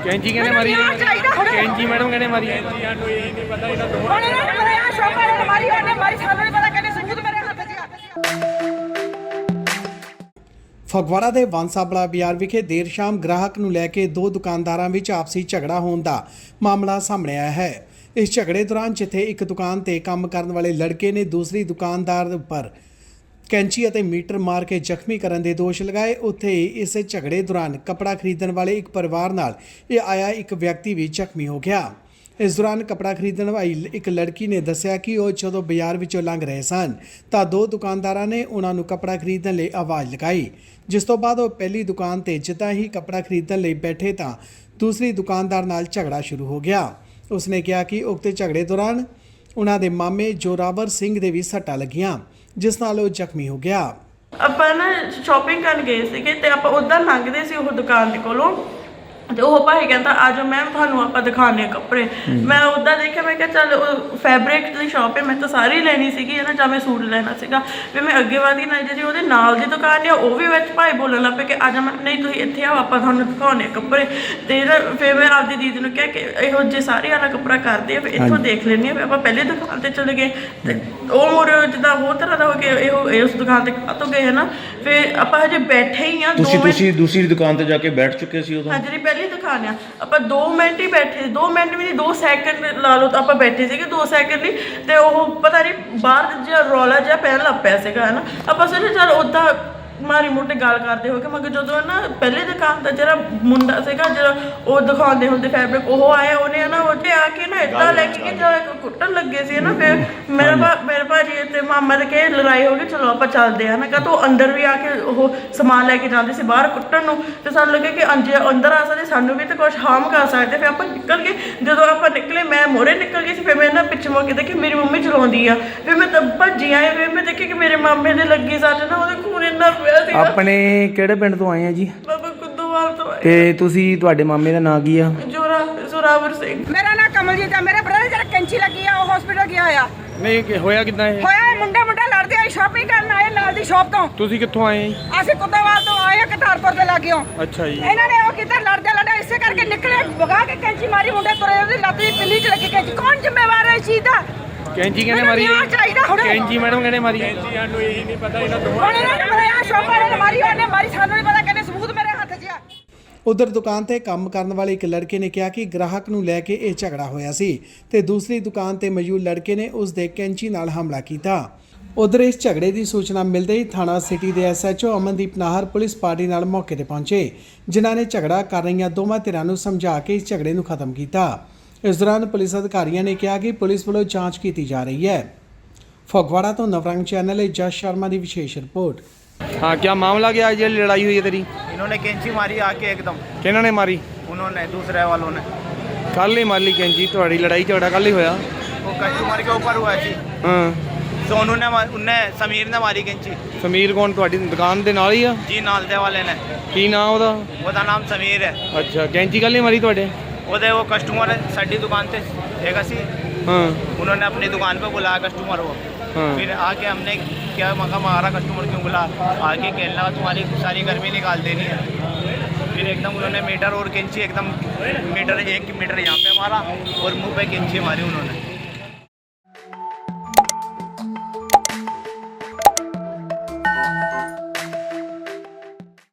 कैंची कहने मारी कैंची मैडम कहने मारी ਫਗਵਾੜਾ ਦੇ ਵਾਂਸਾਬਲਾ ਬਾਜ਼ਾਰ ਵਿਖੇ ਦੇਰ ਸ਼ਾਮ ਗ੍ਰਾਹਕ ਨੂੰ ਲੈ ਕੇ ਦੋ ਦੁਕਾਨਦਾਰਾਂ ਵਿੱਚ ਆਪਸੀ ਝਗੜਾ ਹੋਣ ਦਾ ਮਾਮਲਾ ਸਾਹਮਣੇ ਆਇਆ ਹੈ। ਇਸ ਝਗੜੇ ਦੌਰਾਨ ਜਿੱਥੇ ਇੱਕ ਦੁਕਾਨ ਤੇ ਕੰਮ ਕਰਨ ਵਾਲੇ ਲੜਕੇ ਨੇ ਦੂਸਰੀ ਦੁਕਾਨਦਾਰ ਉੱਪਰ ਕੈਂਚੀ ਅਤੇ ਮੀਟਰ ਮਾਰ ਕੇ ਜ਼ਖਮੀ ਕਰਨ ਦੇ ਦੋਸ਼ ਲਗਾਏ, ਉੱਥੇ ਹੀ ਇਸ ਝਗੜੇ ਦੌਰਾਨ ਕੱਪੜਾ ਖਰੀਦਣ ਵਾਲੇ ਇੱਕ ਪਰਿਵਾਰ ਨਾਲ ਇਹ ਆਇਆ ਇੱਕ ਵਿਅਕਤੀ ਵੀ ਜ਼ਖਮੀ ਹੋ ਗਿਆ। ਇਸ ਦੌਰਾਨ ਕੱਪੜਾ ਖਰੀਦਣ ਵਾਲੀ ਇੱਕ ਲੜਕੀ ਨੇ ਦੱਸਿਆ ਕਿ ਉਹ ਜਦੋਂ ਬਾਜ਼ਾਰ ਵਿੱਚੋਂ ਲੰਘ ਰਹੇ ਸਨ ਤਾਂ ਦੋ ਦੁਕਾਨਦਾਰਾਂ ਨੇ ਉਹਨਾਂ ਨੂੰ ਕੱਪੜਾ ਖਰੀਦਣ ਲਈ ਆਵਾਜ਼ ਲਗਾਈ, ਜਿਸ ਤੋਂ ਬਾਅਦ ਉਹ ਪਹਿਲੀ ਦੁਕਾਨ ਤੇ ਜਿੱਦਾਂ ਹੀ ਕੱਪੜਾ ਖਰੀਦਣ ਲਈ ਬੈਠੇ ਤਾਂ ਦੂਸਰੀ ਦੁਕਾਨਦਾਰ ਨਾਲ ਝਗੜਾ ਸ਼ੁਰੂ ਹੋ ਗਿਆ। ਉਸਨੇ ਕਿਹਾ ਕਿ ਉਕਤੇ ਝਗੜੇ ਦੌਰਾਨ ਉਹਨਾਂ ਦੇ ਮਾਮੇ ਜੋਰਾਵਰ ਸਿੰਘ ਦੇ ਵੀ ਸੱਟਾਂ ਲੱਗੀਆਂ, ਜਿਸ ਨਾਲ ਉਹ ਜ਼ਖਮੀ ਹੋ ਗਿਆ। ਆਪਾਂ ਨਾ ਸ਼ਾਪਿੰਗ ਕਰਨ ਗਏ ਸੀਗੇ ਤੇ ਆਪਾਂ ਉੱਧਰ ਲੰਘਦੇ ਸੀ ਉਹ ਦੁਕਾਨ ਦੇ ਕੋਲੋਂ ਤੇ ਉਹ ਭਾਈ ਕਹਿੰਦਾ ਆ ਜਾਓ ਮੈਮ ਤੁਹਾਨੂੰ ਆਪਾਂ ਦਿਖਾਉਂਦੇ ਹਾਂ ਕੱਪੜੇ। ਮੈਂ ਉੱਦਾਂ ਦੇਖਿਆ, ਮੈਂ ਕਿਹਾ ਚੱਲ ਫੈਬਰਿਕ ਦੀ ਸ਼ਾਪ ਹੈ, ਮੈਂ ਤਾਂ ਸਾਰੀ ਲੈਣੀ ਸੀਗੀ ਨਾ, ਜਾਂ ਮੈਂ ਸੂਟ ਲੈਣਾ ਸੀਗਾ। ਫਿਰ ਮੈਂ ਅੱਗੇ ਵਧੀ ਨਾ ਜਿਹੜੀ ਉਹਦੇ ਨਾਲ ਦੀ ਦੁਕਾਨ ਆ ਉਹ ਵੀ ਵਿੱਚ ਭਾਈ ਬੋਲਣ ਲੱਗ ਪਏ ਕਿ ਆ ਜਾ ਮੈਂ, ਨਹੀਂ ਤੁਸੀਂ ਇੱਥੇ ਆਓ ਆਪਾਂ ਤੁਹਾਨੂੰ ਦਿਖਾਉਂਦੇ ਕੱਪੜੇ। ਤੇ ਫਿਰ ਮੈਂ ਆਪਦੀ ਦੀਦੀ ਨੂੰ ਕਿਹਾ ਕਿ ਇਹੋ ਜਿਹੇ ਸਾਰੇ ਵਾਲਾ ਕੱਪੜਾ ਕਰਦੇ ਆ, ਫਿਰ ਇੱਥੋਂ ਦੇਖ ਲੈਂਦੇ ਹਾਂ। ਆਪਾਂ ਪਹਿਲੇ ਦੁਕਾਨ ਤੇ ਚਲੇ ਗਏ ਤੇ ਉਹ ਮੋੜ ਜਿੱਦਾਂ ਹੋਰ ਤਰ੍ਹਾਂ ਦਾ ਹੋ ਕੇ ਇਹੋ ਉਸ ਦੁਕਾਨ ਤੇ ਕਾਹਤੋਂ ਗਏ ਹੈ ਨਾ। ਫਿਰ ਆਪਾਂ ਹਜੇ ਬੈਠੇ ਹੀ ਆ, ਤੁਸੀਂ ਦੂਸਰੀ ਦੁਕਾਨ ਤੇ ਜਾ ਕੇ ਬੈਠ ਚੁੱਕੇ ਸੀ ਉਦੋਂ? ਹਾਂਜੀ ਪਹਿਲੀ ਦੁਕਾਨ ਆ, ਆਪਾਂ 2 ਮਿੰਟ ਹੀ ਬੈਠੇ, 2 ਮਿੰਟ ਵੀ ਨਹੀਂ 2 ਸੈਕਿੰਡ ਲਾ ਲਓ ਤਾਂ ਆਪਾਂ ਬੈਠੇ ਸੀਗੇ 2 ਸੈਕਿੰਡ ਲਈ। ਤੇ ਉਹ ਪਤਾ ਨਹੀਂ ਬਾਹਰ ਜਿਹਾ ਰੌਲਾ ਜਿਹਾ ਪੈਣ ਲੱਗ ਪਿਆ ਸੀਗਾ ਹੈ ਨਾ। ਆਪਾਂ ਸੋਚਿਆ ਚੱਲ ਉੱਦਾਂ ਮਾਰੀ ਮੋਟੀ ਗੱਲ ਕਰਦੇ ਹੋ ਕੇ, ਮਗਰ ਜਦੋਂ ਨਾ ਪਹਿਲੇ ਦੁਕਾਨ ਦਾ ਜਿਹੜਾ ਮੁੰਡਾ ਸੀਗਾ ਜਿਹੜਾ ਉਹ ਦਿਖਾਉਂਦੇ ਹੁੰਦੇ ਫੈਬਰਿਕ, ਉਹ ਆਇਆ, ਉਹਨੇ ਨਾ ਉੱਥੇ ਆ ਕੇ ਨਾ ਇੱਦਾਂ ਲੈ ਕੇ ਜਦੋਂ ਕੁੱਟਣ ਲੱਗੇ ਸੀ ਨਾ। ਫਿਰ ਮੇਰੇ ਭਾਜੀ ਤੇ ਮਾਮਾ ਦੇ ਕੇ ਲੜਾਈ ਹੋ ਗਈ, ਚਲੋ ਆਪਾਂ ਚੱਲਦੇ ਆ ਨਾ। ਕਹ ਤੋ ਅੰਦਰ ਵੀ ਆ ਕੇ ਉਹ ਸਮਾਨ ਲੈ ਕੇ ਜਾਂਦੇ ਸੀ ਬਾਹਰ ਕੁੱਟਣ ਨੂੰ, ਤੇ ਸਾਨੂੰ ਲੱਗੇ ਕਿ ਅੰਦਰ ਆ ਸਕਦੇ, ਸਾਨੂੰ ਵੀ ਤਾਂ ਕੁਛ ਹਾਰਮ ਕਰ ਸਕਦੇ। ਫਿਰ ਆਪਾਂ ਨਿਕਲ ਗਏ, ਜਦੋਂ ਆਪਾਂ ਨਿਕਲੇ ਮੈਂ ਮੋਹਰੇ ਨਿਕਲ ਗਈ ਸੀ। ਫਿਰ ਮੈਂ ਨਾ ਪਿੱਛੇ ਮੁੜ ਕੇ ਦੇਖੀ ਮੇਰੀ ਮੰਮੀ ਚਲਾਉਂਦੀ ਆ, ਫਿਰ ਮੈਂ ਤਾਂ ਭੱਜੀ ਆਈ। ਫਿਰ ਮੈਂ ਦੇਖੀ ਕਿ ਮੇਰੇ ਮਾਮੇ ਦੇ ਲੱਗੀ ਸੱਟ ਨਾ, ਉਹਦੇ ਖੂਨ ਇੰਨਾ ਆਪਣੇ ਕਿਹੜੇ ਪਿੰਡ ਤੋਂ ਆਏ ਆ ਜੀ? ਬਾਬਾ ਕੁੱਦੋਵਾਲ ਤੋਂ ਆਏ। ਤੇ ਤੁਸੀਂ ਤੁਹਾਡੇ ਮਾਮੇ ਦਾ ਨਾਂ ਕੀ ਆ? ਜ਼ੋਰਾਵਰ ਸਿੰਘ। ਮੇਰਾ ਨਾਂ ਕਮਲਜੀਤ ਆ। ਮੇਰੇ ਬ੍ਰਦਰ ਜਿਹੜਾ ਕੈਂਚੀ ਲੱਗੀ ਆ ਉਹ ਹਸਪੀਟਲ ਗਿਆ ਹੋਇਆ। ਨਹੀਂ ਹੋਇਆ ਕਿੱਦਾਂ ਇਹ? ਹੋਇਆ ਮੁੰਡੇ ਲੜਦੇ ਆ, ਸ਼ਾਪਿੰਗ ਕਰਨ ਆਏ ਨਾਲ ਦੀ ਸ਼ਾਪ ਤੋਂ। ਤੁਸੀਂ ਕਿੱਥੋਂ ਆਏ? ਅਸੀਂ ਕੁੱਦੋਵਾਲ ਤੋਂ ਆਏ ਆ, ਕਤਾਰਪੁਰ ਦੇ ਲਾਗਿਓਂ। ਅੱਛਾ ਜੀ। ਇਹਨਾਂ ਨੇ ਉਹ ਕਿੱਧਰ ਲੜਦੇ ਇਸੇ ਕਰਕੇ ਨਿਕਲੇ, ਵਗਾ ਕੇ ਕੈਂਚੀ ਮਾਰੀ, ਮੁੰਡੇ ਤੁਰੇ, ਉਹਦੀ ਲੱਤ ਦੀ ਪਿੰਨੀ ਚ ਲੱਗੀ ਕੈਂਚੀ। ਕੌਣ ਜ਼ਿੰਮੇਵਾਰ ਹੈ ਇਸ ਚੀਜ਼ ਦਾ? ਕੈਂਚੀ ਕਹਿੰਦੇ ਮਾਰੀ ਕੈਂਚੀ ਮੈਡਮ ਕਹਿੰਦੇ ਮਾਰੀ ਸਾਨੂੰ ਇਹੀ ਨਹੀਂ ਪਤਾ ਇਹਨਾਂ ਤੋਂ। ਹੁਣ ਇਹਨਾਂ ਨੇ ਮਾਰਿਆ, ਸ਼ਾਪ ਵਾਲੇ ਨੇ ਮਾਰੀ, ਉਹਨੇ ਮਾਰੀ, ਸਾਨੂੰ ਨਹੀਂ ਪਤਾ, ਕਹਿੰਦੇ ਸਬੂਤ ਮੇਰੇ ਹੱਥ 'ਚ ਆ। ਉਧਰ ਦੁਕਾਨ ਤੇ ਕੰਮ ਕਰਨ ਵਾਲੇ ਇੱਕ ਲੜਕੇ ਨੇ ਕਿਹਾ ਕਿ ਗ੍ਰਾਹਕ ਨੂੰ ਲੈ ਕੇ ਇਹ ਝਗੜਾ ਹੋਇਆ ਸੀ ਤੇ ਦੂਸਰੀ ਦੁਕਾਨ ਤੇ ਮੌਜੂਦ ਲੜਕੇ ਨੇ ਉਸ ਦੇ ਕੈਂਚੀ ਨਾਲ ਹਮਲਾ ਕੀਤਾ। ਉਧਰ ਇਸ ਝਗੜੇ ਦੀ ਸੂਚਨਾ ਮਿਲਦੇ ਹੀ ਥਾਣਾ ਸਿਟੀ ਦੇ SHO Amandeep Nahar police party ਨਾਲ ਮੌਕੇ ਤੇ ਪਹੁੰਚੇ, ਜਿਨ੍ਹਾਂ ਨੇ ਝਗੜਾ ਕਰ ਰਹੀਆਂ ਦੋਵਾਂ ਧਿਰਾਂ ਨੂੰ ਸਮਝਾ ਕੇ ਇਸ ਝਗੜੇ ਨੂੰ ਖਤਮ ਕੀਤਾ। ਇਸ ਦੌਰਾਨ ਪੁਲਿਸ ਅਧਿਕਾਰੀਆਂ ਨੇ ਕਿਹਾ ਕਿ ਪੁਲਿਸ ਵੱਲੋਂ ਜਾਂਚ ਕੀਤੀ ਜਾ ਰਹੀ ਹੈ। ਫਗਵਾड़ा तो नवरंग चैनल है जस शर्मा की विशेष रिपोर्ट। हाँ, क्या मामला क्या है? जी लड़ाई हुई है तेरी? इन्होंने कैंची मारी आके एकदम। किन्हों ने मारी? उन्होंने दूसरे वालों ने। कल ही मार ली कैंची? थोड़ी लड़ाई झगड़ा कल ही होया? वो कस्टमर के ऊपर हुआ जी। हाँ, तो उन्होंने समीर ने मारी कैंची। समीर कौन? थोड़ी दुकान के नाल ही आ जी, नाल दे वाले ने। की नाम ਉਹਦਾ? ਉਹਦਾ ਨਾਮ ਸਮੀਰ ਹੈ। अच्छा, कैंची कल ही मारी ਤੁਹਾਡੇ? ਉਹਦੇ वो कस्टमर साड़ी दुकान पे हैगा सी। हाँ, उन्होंने अपनी दुकान पे बुलाया कस्टमर को। हाँ। फिर आके हमने क्या मका मारा, कस्टमर क्यों बुला, आके कहने लगा तुम्हारी सारी गर्मी निकाल देनी है। फिर एकदम उन्होंने मीटर और कैंची एकदम मीटर 1 मीटर यहाँ पे मारा और मुंह पे कैंची मारी उन्होंने।